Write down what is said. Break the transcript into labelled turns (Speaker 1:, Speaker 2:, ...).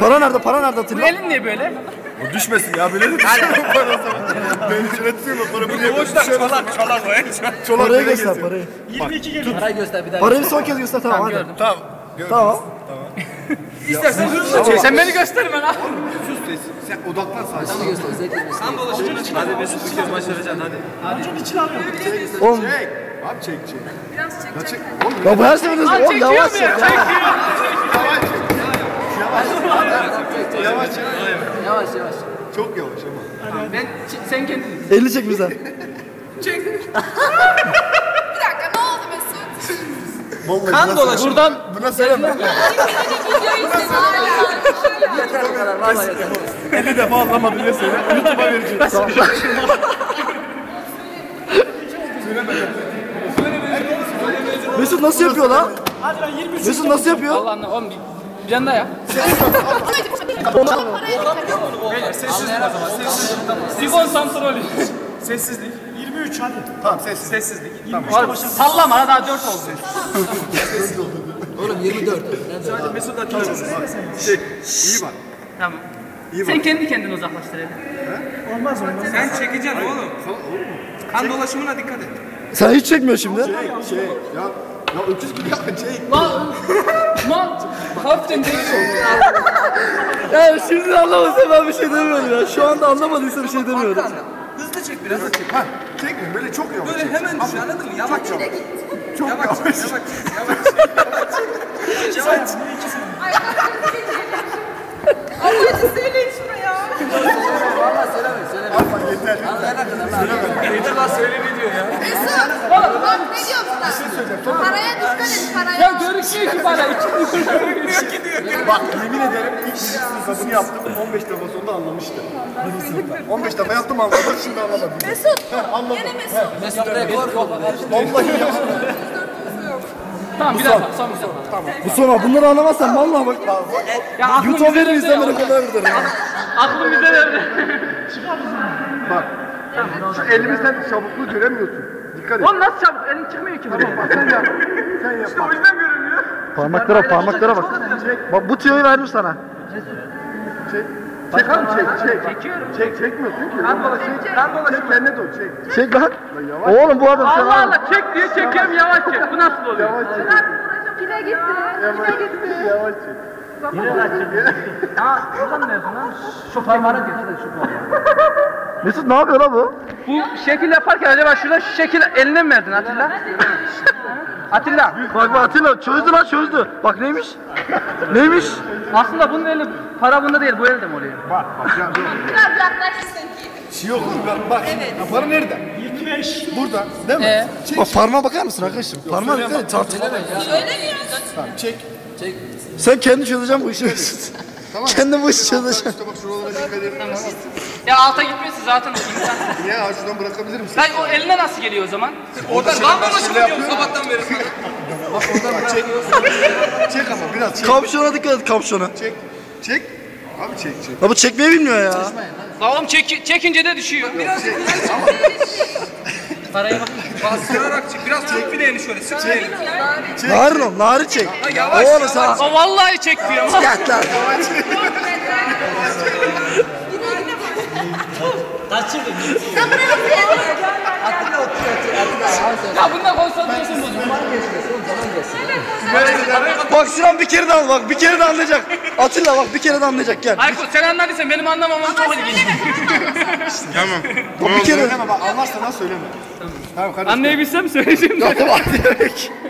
Speaker 1: Para nerede? Para nerede
Speaker 2: Bu
Speaker 1: Atilla?
Speaker 2: elin niye böyle?
Speaker 1: O düşmesin ya böyle de düşüyor para o zaman. Ben ücretliyim o para buraya düşüyor.
Speaker 2: Çolak o en
Speaker 1: Çolak parayı göster parayı.
Speaker 3: 22 geliyor.
Speaker 2: Parayı göster bir daha.
Speaker 1: Parayı bir son kez göster tamam hadi.
Speaker 2: Gördüm.
Speaker 1: Tamam. Tamam.
Speaker 2: İstersen hızlı çek. Sen beni gösterme lan.
Speaker 1: Sen odaklan sadece.
Speaker 2: Beni göster. Zevkli. Kan dolaşımına çık. Hadi Mesut bir kez maç vereceksin hadi.
Speaker 3: Amcanın içine alıyor.
Speaker 1: Oğlum.
Speaker 4: Abi çek.
Speaker 5: Biraz çek.
Speaker 4: Ya çek.
Speaker 1: Ya bu her seferinde oğlum yavaş çek ya.
Speaker 2: Yavaş yavaş.
Speaker 4: Çok yavaş ama.
Speaker 2: Sen kendin.
Speaker 1: 50 çek bize.
Speaker 2: Çek.
Speaker 5: Bir dakika ne oldu Mesut?
Speaker 2: Kan dolaşımı. Buradan
Speaker 1: Buna söyleme.
Speaker 5: Videoyu izledim hala.
Speaker 2: yeter bu kadar. Vallahi yeter.
Speaker 1: 50 defa anlamadım diye söyle. YouTube'a vereceğim. Tamam. Mesut nasıl yapıyor lan?
Speaker 3: Hadi ben 23.
Speaker 1: Mesut nasıl yapıyor?
Speaker 2: Allah anla oğlum bir yanda ya.
Speaker 5: Sessizlik o zaman.
Speaker 2: Sifon santrolü.
Speaker 3: Sessizlik. 23 hadi.
Speaker 4: Tamam sessiz.
Speaker 2: Sessizlik.
Speaker 3: 23'te başlasın.
Speaker 2: Sallama ha daha 4 oldu.
Speaker 1: Oğlum 24.
Speaker 2: Mesut atıyor.
Speaker 4: İyi bak.
Speaker 2: Tamam. Sen kendi kendine uzaklaştır hadi.
Speaker 3: Olmaz.
Speaker 6: Sen çekeceksin oğlum. Kan dolaşımına dikkat et.
Speaker 1: Sen hiç çekmiyor şimdi.
Speaker 4: Ya öküz gibi yapma çek.
Speaker 2: Lan hafiften değişiyor.
Speaker 1: Ya şimdi anlamadıysa ben bir şey demiyorum ya. Şu anda anlamadıysa bir şey demiyorum.
Speaker 6: Hızlı çek biraz da çek.
Speaker 4: Ha çekme böyle çok yavaş.
Speaker 6: Böyle hemen düş anladın mı? Yavaş yavaş.
Speaker 4: Çok
Speaker 6: Yavaş
Speaker 4: yavaş.
Speaker 6: yavaş yavaş. Yavaş.
Speaker 5: Hadi söyleyin şuraya.
Speaker 4: Ama yeter.
Speaker 6: Yeter lan söyle ne diyor ya.
Speaker 5: Mesut. Bak ne diyor buna? Paraya dikkat et paraya.
Speaker 2: Ya görüşüyor ki bana.
Speaker 4: Bak yemin ederim ilk birinci sınıfını yaptım 15 defa sonunda anlamıştı. Birinci sınıfta. 15 defa yaptım anladım şimdi anlamadım.
Speaker 5: Mesut.
Speaker 4: Anladım.
Speaker 5: Yine Mesut.
Speaker 2: Mesut rekor yok.
Speaker 4: Vallahi ya.
Speaker 2: Tamam bir daha son bir son.
Speaker 1: Bu sonra bunları anlamazsan vallahi bak.
Speaker 2: Ya aklım
Speaker 1: YouTube'a
Speaker 2: bize
Speaker 1: verir
Speaker 2: verdi ya.
Speaker 1: izlemene kadar gider ya.
Speaker 2: Aklım bize verdi.
Speaker 4: Bak. Şu elimizden çabukluğu göremiyorsun. Dikkat et.
Speaker 2: Oğlum nasıl çabuk? Elin çıkmıyor ki.
Speaker 4: Bak sen yap. Sen yap. İşte o yüzden görünüyor.
Speaker 1: Parmaklara bak. Bak bu tüyoyu verdim sana.
Speaker 4: Çek. Çek abi çek.
Speaker 2: Çekiyorum.
Speaker 4: Çekmiyorsun ki.
Speaker 6: Kan dolaşımı.
Speaker 4: Çek kendine dur çek.
Speaker 1: Çek lan.
Speaker 4: Yavaş.
Speaker 1: Oğlum bu adam sen
Speaker 2: Allah Allah çek diyor çekiyorum yavaş çek. Bu nasıl oluyor?
Speaker 4: Yavaş çek.
Speaker 5: Pile gitti.
Speaker 4: Yavaş çek. Yavaş çek.
Speaker 2: Ya buradan ne yapıyorsun lan? Şu parmağına dikkat et şu parmağa.
Speaker 1: Mesut ne yapıyor lan bu?
Speaker 2: Bu şekil yaparken acaba şurada şu şekil eline mi verdin Atilla? Atilla.
Speaker 1: Bak Atilla çözdü lan çözdü. Bak neymiş? Neymiş?
Speaker 2: Aslında bunun eli para bunda değil bu elde mi oluyor?
Speaker 4: Bak ya dur.
Speaker 5: Biraz yaklaşırsın ki.
Speaker 4: Şey yok bak.
Speaker 5: Evet.
Speaker 4: Ya para nerede?
Speaker 3: 25.
Speaker 4: Burada değil mi?
Speaker 1: Bak parmağa bakar mısın arkadaşım? Parmağa dikkat et.
Speaker 5: Söylemiyorsun.
Speaker 4: Tamam çek.
Speaker 1: Sen kendi çözeceksin bu işi Mesut.
Speaker 4: Tamam.
Speaker 1: Kendin bu işi çözeceksin.
Speaker 4: İşte bak şuralara dikkat edin.
Speaker 2: Ya alta gitmesi zaten imkansız.
Speaker 4: Niye şuradan bırakabilir misin?
Speaker 2: Lan o eline nasıl geliyor o zaman?
Speaker 6: Oradan kan dolaşımı diyorum sabahtan beri.
Speaker 4: Bak oradan çek. Çek ama biraz çek.
Speaker 1: Kapşona dikkat et kapşona.
Speaker 4: Çek. Çek. Abi çek.
Speaker 1: Ya bu çekmeyi bilmiyor ya.
Speaker 2: Lan oğlum çekince de düşüyor. Biraz paraya bak.
Speaker 6: Bastırarak çek. Biraz çek bileğini şöyle. Sık bileğini.
Speaker 1: Narin ol, narin çek.
Speaker 6: Yavaş,
Speaker 1: Oğlum sen.
Speaker 2: O vallahi çekmiyor.
Speaker 1: Gel lan.
Speaker 2: Ya bunda konsantrasyon bozuldu.
Speaker 1: Bak Sinan bir kere de al bak bir kere de anlayacak. Atilla bak bir kere de anlayacak gel.
Speaker 2: Aykut sen anladıysan benim anlamamam çok ilginç.
Speaker 4: Tamam.
Speaker 1: Bak bir kere.
Speaker 4: Söyleme bak anlarsan nasıl söyleme. Tamam kardeşim.
Speaker 2: Anlayabilsem söyleyeceğim.
Speaker 1: Tamam hadi.